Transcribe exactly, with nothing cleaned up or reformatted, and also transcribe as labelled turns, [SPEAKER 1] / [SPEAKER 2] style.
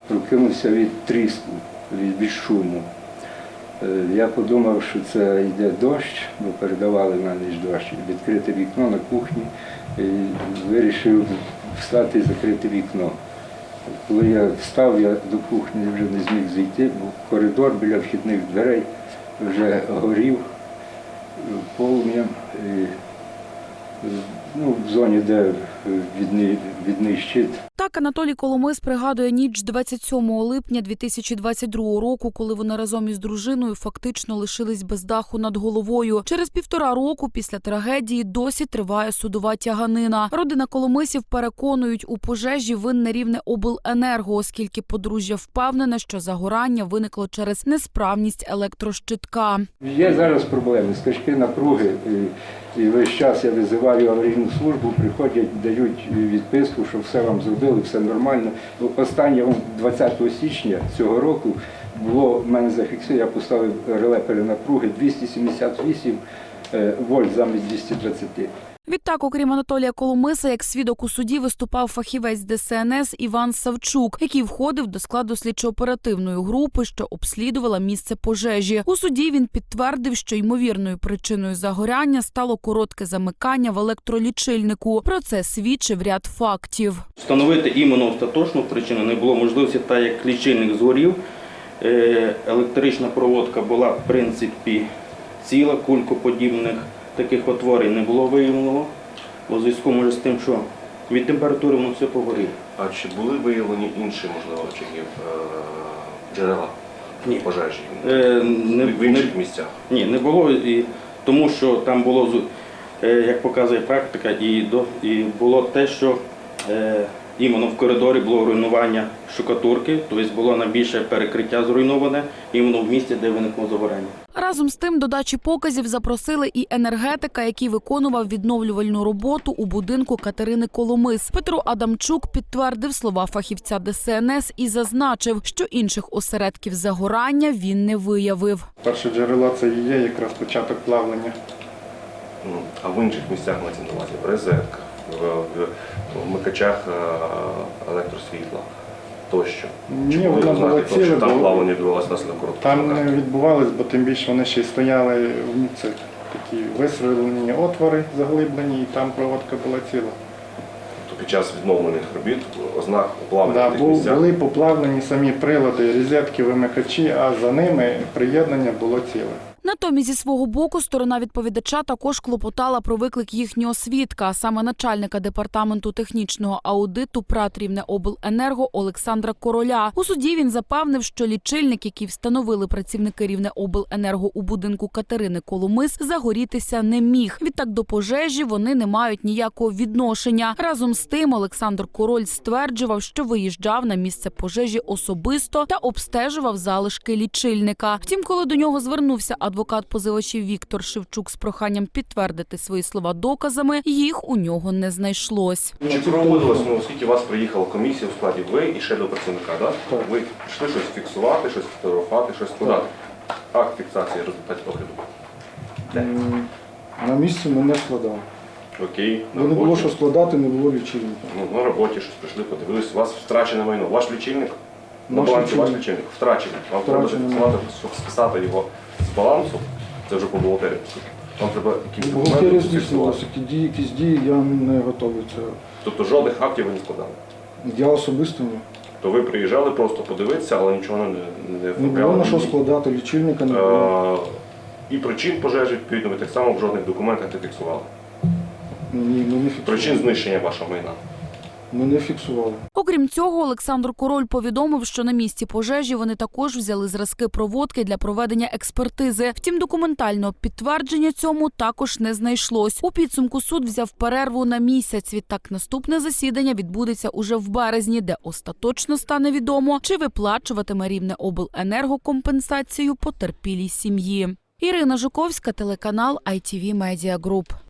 [SPEAKER 1] Прокинувся від тріску, від, від шуму. Я подумав, що це йде дощ, бо передавали на ніч дощ. Відкрити вікно на кухні і вирішив встати і закрити вікно. Коли я встав, я до кухні вже не зміг зайти, бо коридор біля вхідних дверей вже горів полум'ям. Ну, в зоні, де відний, відний щит.
[SPEAKER 2] Так Анатолій Коломис пригадує ніч двадцять сьомого липня дві тисячі двадцять другого року, коли вони разом із дружиною фактично лишились без даху над головою. Через півтора року після трагедії досі триває судова тяганина. Родина Коломисів переконують, у пожежі винне Рівне обленерго, оскільки подружжя впевнене, що загорання виникло через несправність електрощитка.
[SPEAKER 1] Є зараз проблеми, скачки напруги. І, і весь час я визиваю аварійну службу, приходять, дають відписку, що все вам зробили, все нормально. Останнє двадцятого січня цього року було в мене зафіксовано, я поставив реле перенапруги двісті сімдесят вісім вольт замість двохсот двадцяти.
[SPEAKER 2] Відтак, окрім Анатолія Коломиса, як свідок у суді виступав фахівець Де Се Ен Ес Іван Савчук, який входив до складу слідчо-оперативної групи, що обслідувала місце пожежі. У суді він підтвердив, що ймовірною причиною загоряння стало коротке замикання в електролічильнику. Про це свідчив ряд фактів.
[SPEAKER 3] Встановити іменно остаточну причину не було можливості, так як лічильник згорів. Електрична проводка була, в принципі, ціла, кулькоподібних таких отворень не було виявлено, у зв'язку може з тим, що від температури воно все погоріло.
[SPEAKER 4] А чи були виявлені інші, можливо, очаги, джерела
[SPEAKER 3] Ні.
[SPEAKER 4] пожежі
[SPEAKER 3] Е, не,
[SPEAKER 4] в інших місцях?
[SPEAKER 3] Ні, не було, і, тому що там було, як показує практика, і, до, і було те, що е, іменно в коридорі було руйнування штукатурки, тобто було найбільше перекриття зруйноване, іменно в місці, де виникло загорання.
[SPEAKER 2] Разом з тим до дачі показів запросили і енергетика, який виконував відновлювальну роботу у будинку Катерини Коломис. Петро Адамчук підтвердив слова фахівця Де Се Ен Ес і зазначив, що інших осередків загорання він не виявив.
[SPEAKER 5] Перше джерело – це і є якраз початок плавлення.
[SPEAKER 4] А в інших місцях мається на увазі? В розетках, в вмикачах електросвітла тощо?
[SPEAKER 5] Ні, воно було ціле,
[SPEAKER 4] там
[SPEAKER 5] бо
[SPEAKER 4] плавлення відбувалося наслідок короткого
[SPEAKER 5] там
[SPEAKER 4] замикання?
[SPEAKER 5] не відбувалось, бо тим більше вони ще й стояли в цих такі висверлені отвори заглиблені, і там проводка була ціла.
[SPEAKER 4] Тобто під час відновлених робіт ознак плавлення
[SPEAKER 5] Да,
[SPEAKER 4] в тих
[SPEAKER 5] був,
[SPEAKER 4] місцях?
[SPEAKER 5] були поплавлені самі прилади, розетки, вимикачі, а за ними приєднання було ціле.
[SPEAKER 2] Натомість, зі свого боку, сторона відповідача також клопотала про виклик їхнього свідка, а саме начальника департаменту технічного аудиту ПрАТ Рівне обленерго Олександра Короля. У суді він запевнив, що лічильник, який встановили працівники Рівне обленерго у будинку Катерини Коломис, загорітися не міг. Відтак до пожежі вони не мають ніякого відношення. Разом з тим, Олександр Король стверджував, що виїжджав на місце пожежі особисто та обстежував залишки лічильника. Втім, коли до нього звернувся адвокат позивачів Віктор Шевчук з проханням підтвердити свої слова доказами, їх у нього не знайшлось.
[SPEAKER 4] Чи проводилось, ну, оскільки у вас приїхала комісія у складі ви і ще до працівника, да?
[SPEAKER 5] Так.
[SPEAKER 4] Ви пішли щось фіксувати, щось фотографувати, щось складати? Акт фіксації результатів огляду? Де?
[SPEAKER 5] На місці ми не складали.
[SPEAKER 4] Окей.
[SPEAKER 5] Бо не було що складати, не було лічильника.
[SPEAKER 4] Ну, на роботі щось прийшли, подивились, у вас втрачене майно. Ваш лічильник? На
[SPEAKER 5] Наш
[SPEAKER 4] балансі ваш
[SPEAKER 5] лічильник.
[SPEAKER 4] лічильник. Втрачений. Вам треба
[SPEAKER 5] Втрачений.
[SPEAKER 4] зафіксувати, щоб списати його з балансу. Це вже по бухгалтерії. Вам треба якісь
[SPEAKER 5] Бухгалтерія
[SPEAKER 4] документи
[SPEAKER 5] здійснювалася,
[SPEAKER 4] зафіксувати.
[SPEAKER 5] які дії, якісь дії, я не готовий це.
[SPEAKER 4] Тобто жодних актів ви не складали?
[SPEAKER 5] Я особисто ні.
[SPEAKER 4] То ви приїжджали просто подивитися, але нічого не, не
[SPEAKER 5] Не було на що
[SPEAKER 4] ні.
[SPEAKER 5] складати, лічильника не було.
[SPEAKER 4] Е, І причин пожежі, відповідно, ви так само в жодних документах не фіксували.
[SPEAKER 5] Ні, ми не фіксували.
[SPEAKER 4] Причин знищення вашого майна.
[SPEAKER 5] Ми не фіксували.
[SPEAKER 2] Окрім цього, Олександр Король повідомив, що на місці пожежі вони також взяли зразки проводки для проведення експертизи. Втім, документального підтвердження цьому також не знайшлось. У підсумку суд взяв перерву на місяць. Відтак наступне засідання відбудеться уже в березні, де остаточно стане відомо, чи виплачуватиме Рівне обленерго компенсацію потерпілій сім'ї. Ірина Жуковська, телеканал Ай Ті Ві Медіа Груп.